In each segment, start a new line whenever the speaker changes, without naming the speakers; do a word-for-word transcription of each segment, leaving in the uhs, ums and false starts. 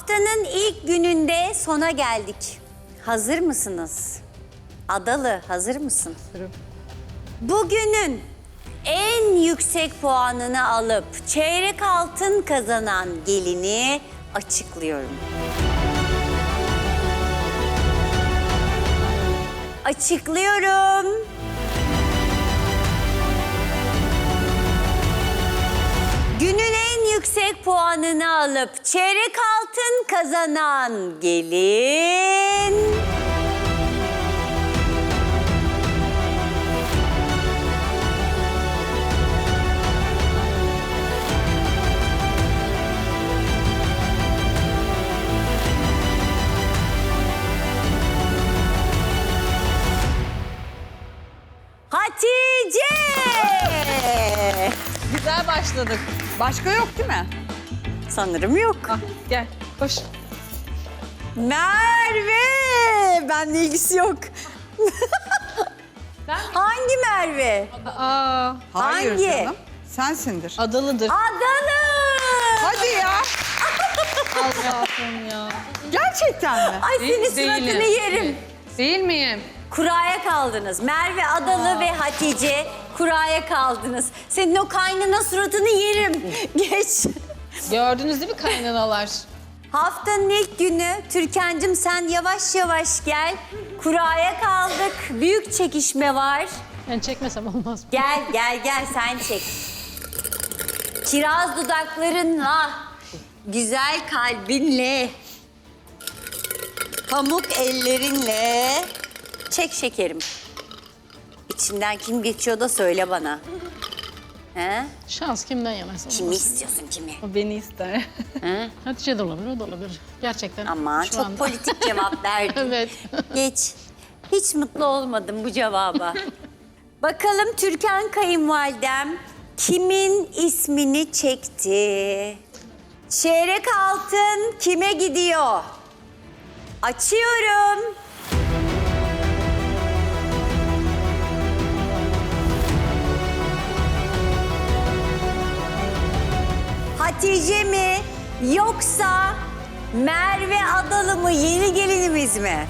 Haftanın ilk gününde sona geldik. Hazır mısınız? Adalı, hazır mısın?
Hazırım.
Bugünün en yüksek puanını alıp çeyrek altın kazanan gelini açıklıyorum. Açıklıyorum. Günün en yüksek puanını alıp çeyrek altın kazanan gelin... Hatice!
Güzel başladık. Başka yok değil mi?
Sanırım yok.
Ah, gel, koş.
Merve! Benle ilgisi yok. Hangi Merve?
Aa,
Hayır
Hangi?
canım. Sensindir.
adalıdır.
Adalı!
Hadi ya.
Allah'ım ya.
Gerçekten mi?
Ay senin
Değil-
suratını
değilim.
yerim.
Değil miyim?
Kuraya kaldınız. Merve Adalı ve Hatice kuraya kaldınız. Senin o kaynana suratını yerim. Geç.
Gördünüz değil mi kaynanalar?
Haftanın ilk günü Türkan'cığım sen yavaş yavaş gel. Kuraya kaldık. Büyük çekişme var.
Ben çekmesem olmaz mı?
Gel gel gel sen çek. Kiraz dudaklarınla, güzel kalbinle, pamuk ellerinle çek şekerim. İçinden kim geçiyor da söyle bana. He?
Şans kimden yanarsa olmaz.
Kimi istiyorsun kimi?
O beni ister.
He?
Hatice de olabilir, o da olabilir. Gerçekten.
Aman
şu
çok
anda.
politik cevap verdin.
Evet.
Geç. Hiç mutlu olmadım bu cevaba. Bakalım Türkan kayınvalidem kimin ismini çekti? Çeyrek altın kime gidiyor? Açıyorum. Hatice mi yoksa Merve Adalı mı yeni gelinimiz mi?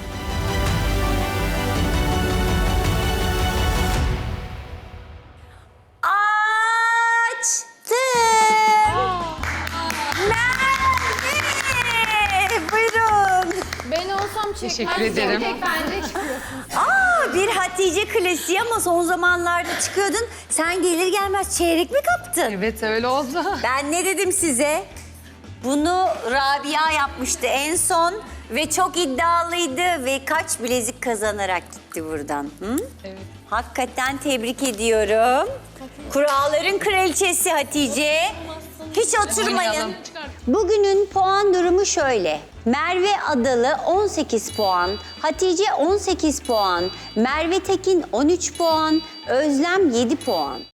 Açtım. Merve! Buyurun.
Ben olsam
Teşekkür
çekmezdim.
ederim.
Tek bence çıkıyorsun.
Aa, bir Hatice klasiği ama son zamanlarda çıkıyordun. Sen gelir gelmez çeyrek mi kaptın?
Evet öyle oldu.
Ben ne dedim size? Bunu Rabia yapmıştı en son ve çok iddialıydı ve kaç bilezik kazanarak gitti buradan. Hı?
Evet.
Hakikaten tebrik ediyorum. Kuralların kraliçesi Hatice. Hiç oturmayın.
Oynayalım.
Bugünün puan durumu şöyle. Merve Adalı on sekiz puan, Hatice on sekiz puan, Merve Tekin on üç puan, Özlem yedi puan.